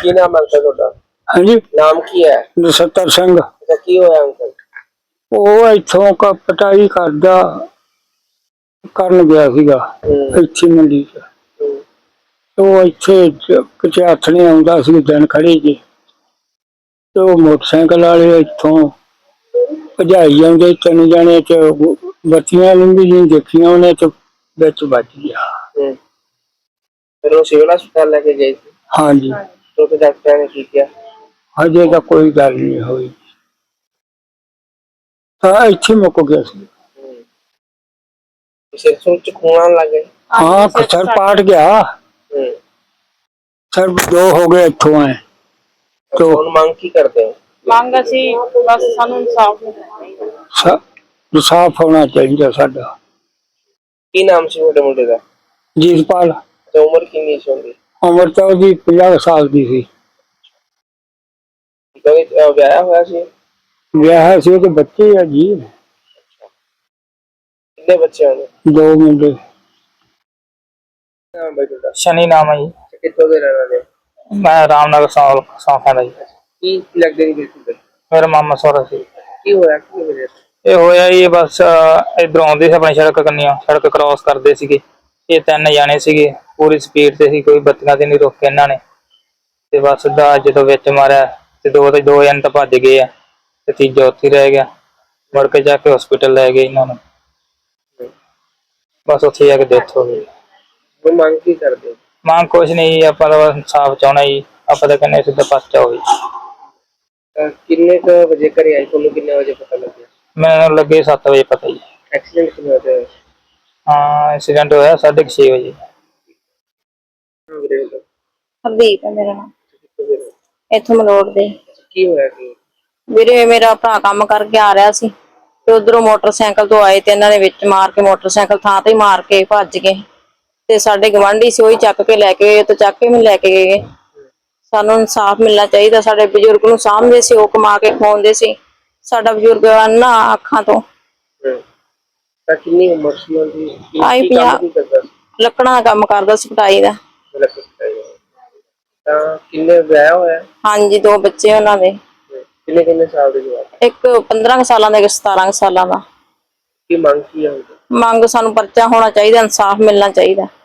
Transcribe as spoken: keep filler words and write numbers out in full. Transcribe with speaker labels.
Speaker 1: ਕੀ ਨਾਮ ਹੈ ਅੰਕਲ ਤੁਹਾਡਾ?
Speaker 2: ਹਾਂਜੀ,
Speaker 1: ਨਾਮ ਕੀ ਹੈ?
Speaker 2: ਨਛੱਤਰ ਸਿੰਘ।
Speaker 1: ਅੱਛਾ, ਕੀ ਹੋਇਆ ਅੰਕਲ?
Speaker 2: ਉਹ ਇੱਥੋਂ ਕ ਪਟਾਈ ਕਰਦਾ ਕਰਨ ਗਿਆ ਸੀਗਾ ਇੱਥੇ ਮੰਡੀ ਚ। ਉਹ ਇੱਥੇ ਕਿਤੇ ਹੱਥ ਨਹੀਂ ਆਉਂਦਾ ਸੀ, ਦਿਨ ਖੜੇ ਜੀ, ਤੇ ਉਹ ਮੋਟਰਸਾਈਕਲ ਵਾਲੇ ਇੱਥੋਂ ਭਜਾਈ ਜਾਂਦੇ, ਤਿੰਨ ਜਾਣੇ ਚ ਬੱਤੀਆਂ ਲੰਘੀ ਜੀ ਦੇਖੀਆਂ ਉਹਨੇ ਤੇ ਵਿੱਚ ਵੱਜ ਗਿਆ।
Speaker 1: ਫਿਰ ਉਹ ਸਿਵਲ ਹਸਪਤਾਲ ਲੈ ਕੇ ਗਏ ਸੀ?
Speaker 2: ਹਾਂਜੀ।
Speaker 1: तो फिर डॉक्टर ने की किया?
Speaker 2: हजे तो कोई गल नहीं हुई। हाँ, इत्थे मुक गया सी।
Speaker 1: सिर च खून आने लग गए?
Speaker 2: हाँ, सर पाट गया। सर दो हो गए इत्थों आए।
Speaker 1: तो हम मांग की करते हैं?
Speaker 3: मांग असी बस सानू इंसाफ
Speaker 2: इंसाफ होना चाहिए साडा।
Speaker 1: की नाम सी छोटे मुंडे दा?
Speaker 2: जीतपाल।
Speaker 1: तो उम्र कितनी सी होंदी?
Speaker 2: उम्र तो ओदी पचास साल दी सी।
Speaker 1: तो ब्याह होया सी?
Speaker 2: ब्याह सी ते बच्चे है जी।
Speaker 1: कितने बच्चे होंगे?
Speaker 2: दो मुंडे।
Speaker 1: नाम भाई तुहाडा?
Speaker 4: शनि नाम है जी।
Speaker 1: कित्थों दे रहने वाले?
Speaker 4: मैं रामनगर सौल सौखा दा जी।
Speaker 1: की लगदे नहीं बिल्कुल?
Speaker 4: मेरा मामा सोहरा सी।
Speaker 1: की होया की वजह से?
Speaker 4: ਇਹ ਹੋਇਆ ਜੀ ਬਸ ਇਧਰੋਂ ਆਉਂਦੇ ਸੀ ਆਪਣੀ ਸੜਕ ਕੰਨੀਆਂ, ਸੜਕ ਕ੍ਰਾਸ ਕਰਦੇ ਸੀਗੇ। ਇਹ ਤਿੰਨ ਜਾਣੇ ਸੀਗੇ, ਪੂਰੀ ਸਪੀਡ ਤੇ ਸੀ, ਕੋਈ ਬੱਤੀਆਂ ਤੇ ਨਹੀਂ ਰੋਕਿਆ ਇਹਨਾਂ ਨੇ ਤੇ ਬਸ ਦਾ ਜਦੋਂ ਵਿੱਚ ਮਾਰਿਆ ਤੇ ਦੋ ਤੇ ਦੋ ਜਣੇ ਤਾਂ ਭੱਜ ਗਏ ਆ ਤੇ ਤੀਜਾ ਉੱਥੇ ਰਹਿ ਗਿਆ। ਮੁੜ ਕੇ ਜਾ ਕੇ ਹਸਪੀਟਲ ਲੈ ਗਏ ਇਹਨਾਂ ਨੂੰ, ਬਸ ਉੱਥੇ ਜਾ ਕੇ ਡੈਥ ਹੋ ਗਈ।
Speaker 1: ਉਹ ਮੰਗ ਕੀ ਕਰਦੇ?
Speaker 4: ਮੰਗ ਕੁਛ ਨਹੀਂ, ਆਪਾਂ ਤਾਂ ਇਨਸਾਫ ਚਾਹੁੰਦਾ ਜੀ। ਆਪਾਂ ਤਾਂ ਕਹਿੰਦੇ ਸਿੱਧਾ ਪਰਚਾ ਹੋਵੇ।
Speaker 1: ਕਿੰਨੇ ਕ ਵਜੇ ਘਰੇ ਆਏ? ਤੁਹਾਨੂੰ ਕਿੰਨੇ ਵਜੇ ਪਤਾ ਲੱਗਿਆ?
Speaker 4: ਮੈਨੂੰ ਲੱਗੇ ਸੱਤ ਵਜੇ ਪਤਾ ਜੀ।
Speaker 1: एक्सीडेंट कितने बजे होया?
Speaker 4: हाँ, एक्सीडेंट होया साढ़े छे बजे।
Speaker 3: हरदीप है मेरा नाम, इथों मलोड़ दे।
Speaker 1: की होया की?
Speaker 3: ਵੀਰੇ ਮੇਰਾ ਭਰਾ ਕੰਮ ਕਰਕੇ ਆ ਰਿਹਾ ਸੀ ਤੇ ਉਧਰੋਂ ਮੋਟਰਸਾਈਕਲ ਤੋਂ ਆਏ ਤੇ ਇਹਨਾਂ ਨੇ ਵਿੱਚ ਮਾਰ ਕੇ ਮੋਟਰਸਾਈਕਲ ਥਾਂ ਤੇ ਮਾਰ ਕੇ ਭੱਜ ਗਏ ਤੇ ਸਾਡੇ ਗਵਾਂਢੀ ਸੀ ਉਹੀ ਚੱਕ ਕੇ ਲੈ ਕੇ ਤੇ ਚੱਕ ਕੇ ਵੀ ਲੈ ਕੇ ਗਏ। ਸਾਨੂੰ ਇਨਸਾਫ ਮਿਲਣਾ ਚਾਹੀਦਾ। ਸਾਡੇ ਬਜ਼ੁਰਗ ਨੂੰ ਸਾਂਭਦੇ ਸੀ, ਉਹ ਕਮਾ ਕੇ ਖਵਾਉਂਦੇ ਸੀ। ਸਾਡਾ ਬਜ਼ੁਰਗ ਨਾ ਅੱਖਾਂ ਤੋਂ।
Speaker 1: ਤਾਂ ਕਿੰਨੀ ਉਮਰ ਸੀ ਉਹਦੀ?
Speaker 3: ਆਈ ਪੰਜਾਹ। ਲੱਕੜਾਂ ਦਾ ਕੰਮ ਕਰਦਾ ਸੀ, ਪਟਾਈ ਦਾ।
Speaker 1: ਤਾਂ ਕਿੰਨੇ ਵਿਆਹ ਹੋਇਆ?
Speaker 3: ਹਾਂਜੀ, ਦੋ ਬੱਚੇ ਉਹਨਾਂ ਦੇ।
Speaker 1: ਕਿੰਨੇ ਕਿੰਨੇ ਸਾਲ ਦੇ ਜਵਾਕ?
Speaker 3: ਇੱਕ ਪੰਦਰਾਂ ਸਾਲਾਂ ਦਾ, ਇੱਕ ਸਤਾਰਾਂ ਸਾਲਾਂ ਦਾ।
Speaker 1: ਕੀ ਮੰਗ ਕੀ ਹੈ?
Speaker 3: ਮੰਗ ਸਾਨੂੰ ਪਰਚਾ ਹੋਣਾ ਚਾਹੀਦਾ, ਇਨਸਾਫ ਮਿਲਣਾ ਚਾਹੀਦਾ।